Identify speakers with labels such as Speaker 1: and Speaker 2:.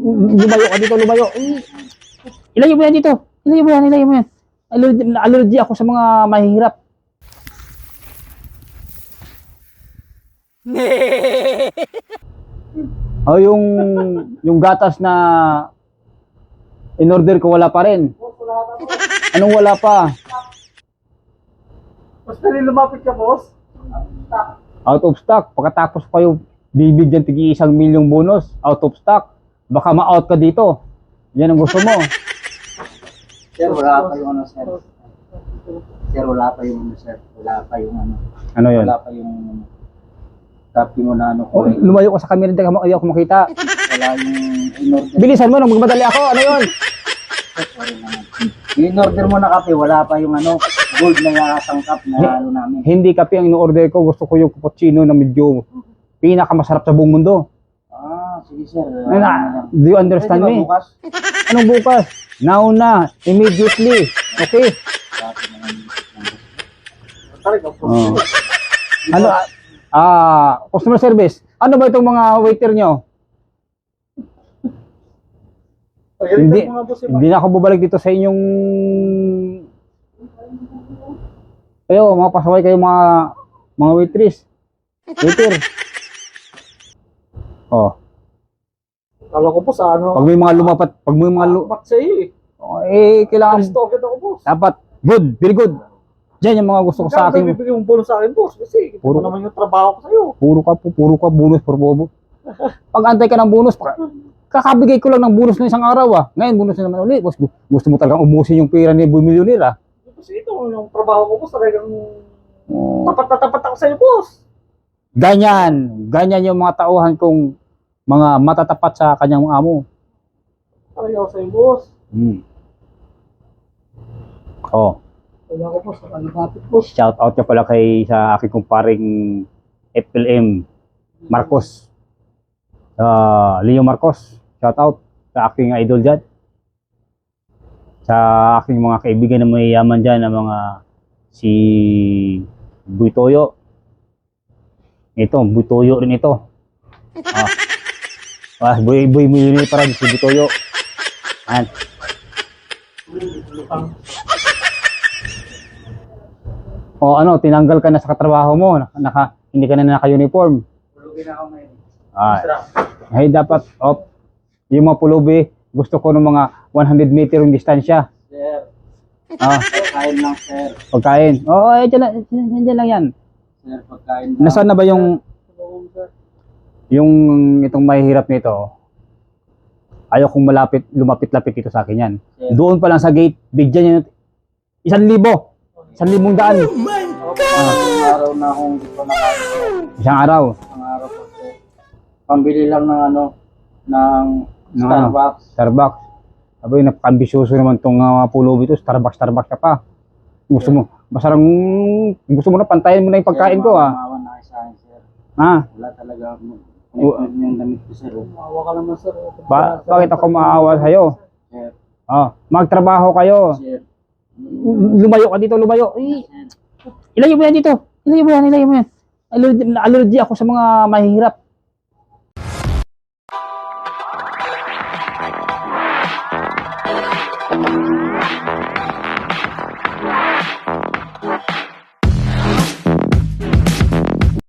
Speaker 1: Lumayo ka dito, lumayo. Ilayo mo yan dito. Ilayo mo yan, ilayo mo yan. Allergy ako sa mga mahihirap. Oh, yung gatas na in-order ko wala pa rin. Anong wala pa?
Speaker 2: Basta rin lumapit ka, boss.
Speaker 1: Out of stock. Pagkatapos pa yung bibigyan tigi 1 milyong bonus. Out of stock. Baka ma-out ka dito. Yan ang gusto mo.
Speaker 3: Sir, wala pa yung ano, sir. Sir, wala pa yung ano, sir. Wala pa yung ano.
Speaker 1: Ano yun?
Speaker 3: Wala pa yung copy mo na ano
Speaker 1: Oh,
Speaker 3: ko.
Speaker 1: lumayo ko sa camera, ayaw ko makita.
Speaker 3: Wala yung in-order.
Speaker 1: Bilisan mo nung magmadali ako. Ano yun?
Speaker 3: Yung in-order mo na kape, wala pa yung ano, gold na sangkap na ano namin.
Speaker 1: Hindi kape ang in-order ko. Gusto ko yung cappuccino na medyo pinakamasarap sa buong mundo.
Speaker 3: Ah, sige sir.
Speaker 1: Do you understand
Speaker 3: Pwede ba
Speaker 1: me?
Speaker 3: bukas?
Speaker 1: Anong bukas? Now na. Immediately. Okay? Oh. Ano? Customer service. Ano ba itong mga waiter nyo? Hindi na ako bubalik dito sa inyong... Kayo, mga pasaway kayo mga waitress. Waiter. Oh.
Speaker 2: Kala ko po sa ano.
Speaker 1: Pag may mga lumapat,
Speaker 2: Ba't sa iyo
Speaker 1: kailangan
Speaker 2: Alis to agad ako, boss.
Speaker 1: dapat good, very good. Diyan yung mga gusto ko sa akin.
Speaker 2: Bibigyan mong bonus sa akin, boss. Kasi
Speaker 1: Puro-
Speaker 2: puro naman yung trabaho ko sa'yo.
Speaker 1: Puro ka bonus por bobo. Pag antay ka ng bonus, kakabigay ko lang ng bonus ng isang araw ah. Ngayon bonus na naman ulit. Gusto mo talagang ubusin yung pera ni Boy Millionaire ah.
Speaker 2: Kasi ito, yung trabaho ko, boss, talagang
Speaker 1: Oh.
Speaker 2: tapat na tapat ako sa'yo, boss.
Speaker 1: Ganyan yung mga tauhan kong mga matatapat sa kanyang amo.
Speaker 2: Talaga ako sa'yo, boss.
Speaker 1: Oh,
Speaker 2: Kaya ko, boss. Nakalapit, boss.
Speaker 1: shout out niya pala sa aking kumparing FLM Marcos. Leo Marcos, shout out sa aking idol dyan. Sa aking mga kaibigan na may yaman dyan, na mga si Boy Toyo. Ito, Boy Toyo rin ito. Boy Millionaire para si Boy Toyo. Ayan. O ano, tinanggal ka na sa katrabaho mo, hindi ka na naka-uniform.
Speaker 3: Tulugin ako ngayon.
Speaker 1: Ay, dapat, yung mga pulubi, gusto ko ng mga 100 meter yung distansya.
Speaker 3: Sir,
Speaker 1: Pagkain
Speaker 3: lang, sir.
Speaker 1: Pagkain. Oo, dyan lang yan.
Speaker 3: Sir, pagkain lang.
Speaker 1: Nasaan na ba yung itong mahihirap nito? Ayaw kong lumapit-lapit dito sa akin yan.
Speaker 3: Sir.
Speaker 1: Doon pa lang sa gate, bigyan nyo 1,000. 1,000 daan.
Speaker 3: Isang araw na akong dito nakain.
Speaker 1: Isang araw.
Speaker 3: Isang araw po, sir. Pambili lang ng ano, ng Starbucks.
Speaker 1: Starbucks. Sabi, napaka-ambisyoso naman itong pulubi ito. Starbucks ka pa. Gusto mo na pantayin mo na yung pagkain ko ah.
Speaker 3: Maawa na kayo sa akin, sir. Wala talaga ako. Yung damit ko, sir.
Speaker 2: Maawa ka naman, sir.
Speaker 1: Bakit ako maawa sa'yo?
Speaker 3: Sir.
Speaker 1: Magtrabaho kayo.
Speaker 3: Sir.
Speaker 1: Lumayo ka dito, lumayo. Ilayo mo yan dito. Ilayo mo yan. Allergy ako sa mga mahihirap.